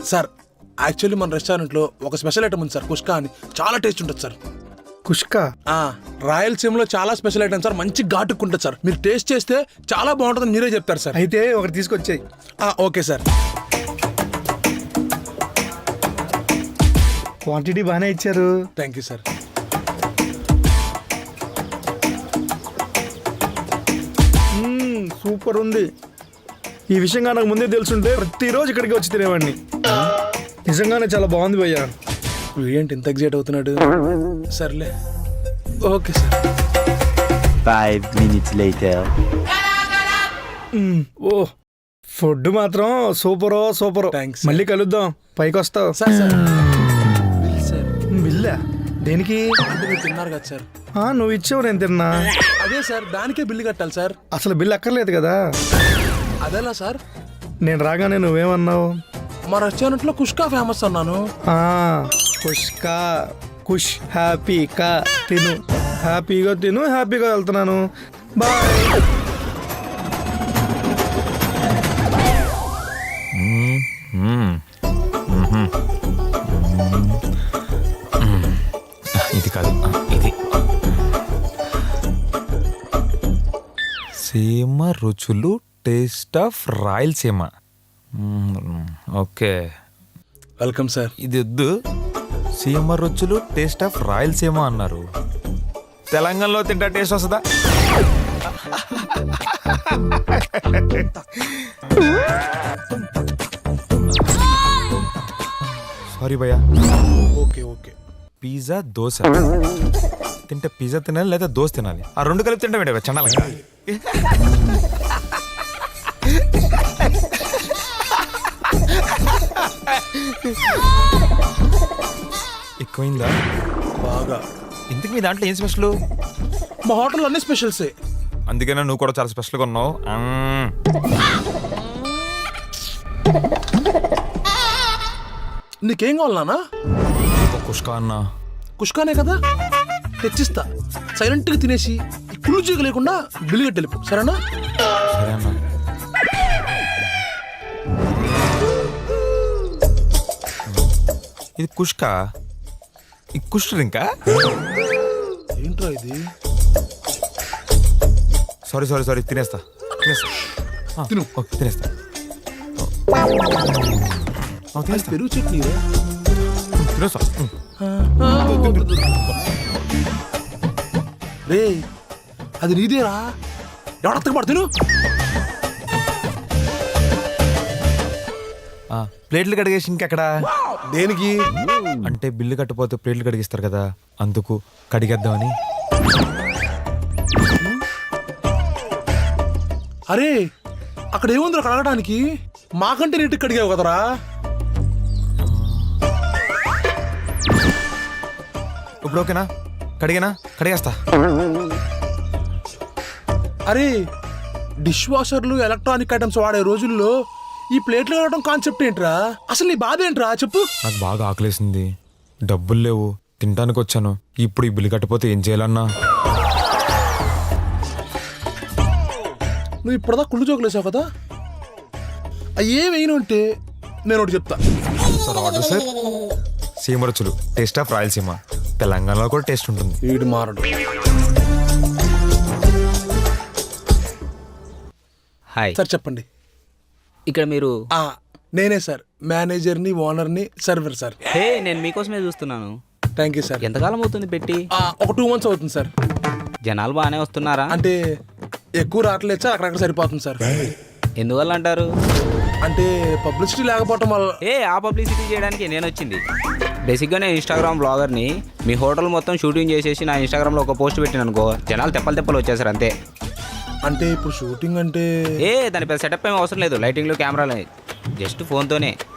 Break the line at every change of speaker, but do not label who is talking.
Sir actually మన రెస్టారెంట్లో ఒక స్పెషల్ ఐటమ్ ఉంది సార్, కుష్కా అని. చాలా టేస్ట్ ఉంటుంది సార్.
కుష్కా
రాయలసీమలో చాలా స్పెషల్ ఐటమ్ సార్, మంచి ఘాటుకుంటుంది సార్. మీరు టేస్ట్ చేస్తే చాలా బాగుంటుందని మీరే చెప్తారు సార్.
అయితే ఒకటి తీసుకొచ్చాయి.
Okay sir.
క్వాంటిటీ బాగానే ఇచ్చారు.
Thank you sir.
సూపర్ ఉంది. ఈ విషయంగా నాకు ముందే తెలుసుంటే ప్రతిరోజు ఇక్కడికి వచ్చి తినేవాడిని. నిజంగానే చాలా బాగుంది భయ్యా.
ఏంటి ఇంత ఎగ్జైట్ అవుతున్నాడు? సర్లే okay sir.
5 minutes later.
Oh food మాత్రం సూపరో సూపర్.
Thanks,
మళ్ళీ కలుద్దాం. పైకి వస్తావు
సార్. Sir bill sir.
బిల్లా దేనికి?
అంటే మీరు తిన్నారు కదా సార్.
నువ్వు ఇచ్చావు, నేను తిన్నా.
అదే సార్, దానికే బిల్లు కట్టాలి సార్.
అసలు బిల్ అక్కర్లేదు కదా.
అదేలా సార్?
నేను రాగానే నువ్వేమన్నావు?
మా రెస్టారెంట్లో కుష్కా ఫేమస్ అన్నాను.
కుష్కా కుష్ హ్యాపీగా తిను, హ్యాపీగా తిను, హ్యాపీగా వెళ్తున్నాను. బాయ్.
ఇది కాదు, ఇది సీమ రుచులు taste of Rayalaseema. Okay
welcome sir.
ఇది వద్దు. సీమ రుచులు టేస్ట్ ఆఫ్ రాయలసీమ అన్నారు. తెలంగాణలో తింటా టేస్ట్ వస్తుందా? సారీ భయ్యా.
Okay okay.
పిజ్జా దోశ తింటే పిజ్జా తినాలి లేదా దోశ తినాలి, ఆ రెండు కలిపి తింటా మేడం చండాలంగా. ఎక్కువైందా?
బాగా.
ఇంతకు మీ దాంట్లో ఏం స్పెషల్?
మా హోటల్ అన్ని స్పెషల్సే.
అందుకనే నువ్వు కూడా చాలా స్పెషల్గా ఉన్నావు.
నీకేం కావాలన్నా?
కుష్కా అన్నా.
కుష్కానే కదా, తెచ్చిస్తా. సైలెంట్గా తినేసి కుళ్ళు చీక లేకుండా బిల్లు కట్టి వెళ్ళిపో, సరేనా?
సరే అన్నా. ఇది కుష్కా, ఈ కుష్ డ్రింకా?
ఏంట్రా ఇది?
సారీ తినేస్తా.
తిను.
ఓకే తినేస్తా.
పెరుగు చట్నీ
తినేస్తా.
రే, అది నీదేరా, ఎవడత్తకు పడు. తిను.
ప్లేట్లు కడిగేసి ఇంకెక్కడ?
దేనికి?
అంటే బిల్లు కట్టపోతే ప్లేట్లు కడిగిస్తారు కదా, అందుకు కడిగేద్దామని.
అరే, అక్కడ ఏముందిరా కడగడానికి? మాకంటే నీటికి కడిగావు కదరా.
ఇప్పుడు ఓకేనా? కడిగేస్తా.
అరే, డిష్ వాషర్లు ఎలక్ట్రానిక్ ఐటమ్స్ వాడే రోజుల్లో ఈ ప్లేట్లు కడగడం కాన్సెప్ట్ ఏంట్రా? అసలు నీ బాధ ఏంట్రా చెప్పు.
నాకు బాగా ఆకలేసింది, డబ్బులు లేవు, తినడానికి వచ్చాను. ఇప్పుడు ఈ బిల్లు కట్టపోతే ఏం చేయాలన్నా?
నువ్వు ఇప్పుడుదా కుళ్ళు జోకులేసావు కదా, ఏమైనా ఉంటే నేను ఒకటి చెప్తా.
Sir order sir. సీమ రుచులు టేస్ట్ ఆఫ్ రాయలసీమ. తెలంగాణలో కూడా టేస్ట్ ఉంటుంది.
వీడు మారడు.
హాయ్
సార్ చెప్పండి.
ఇక్కడ మీరు?
నేనే సార్, మేనేజర్ని, ఓనర్ని, సర్వర్ సార్.
హే, నేను మీకోసమే చూస్తున్నాను.
Thank you sir.
ఎంతకాలం అవుతుంది పెట్టి?
ఒక 2 months అవుతుంది సార్.
జనాలు బాగానే వస్తున్నారా?
అంటే ఎక్కువ రావట్లేదు సార్, అక్కడక్కడ సరిపోతుంది సార్.
ఎందువల్ల అంటారు?
అంటే పబ్లిసిటీ లేకపోవటం వల్ల.
ఆ పబ్లిసిటీ చేయడానికి నేను వచ్చింది. బేసిక్గా నేను ఇన్స్టాగ్రామ్ బ్లాగర్ని. మీ హోటల్ మొత్తం షూటింగ్ చేసేసి నా ఇన్స్టాగ్రామ్లో ఒక పోస్ట్ పెట్టిన అనుకో, జనాలు తెప్పలు వచ్చేసారు అంతే.
అంటే ఇప్పుడు షూటింగ్ అంటే
దాని పెద్ద సెటప్ ఏమి అవసరం లేదు. లైటింగ్లు, కెమెరాలు, జస్ట్ ఫోన్తోనే.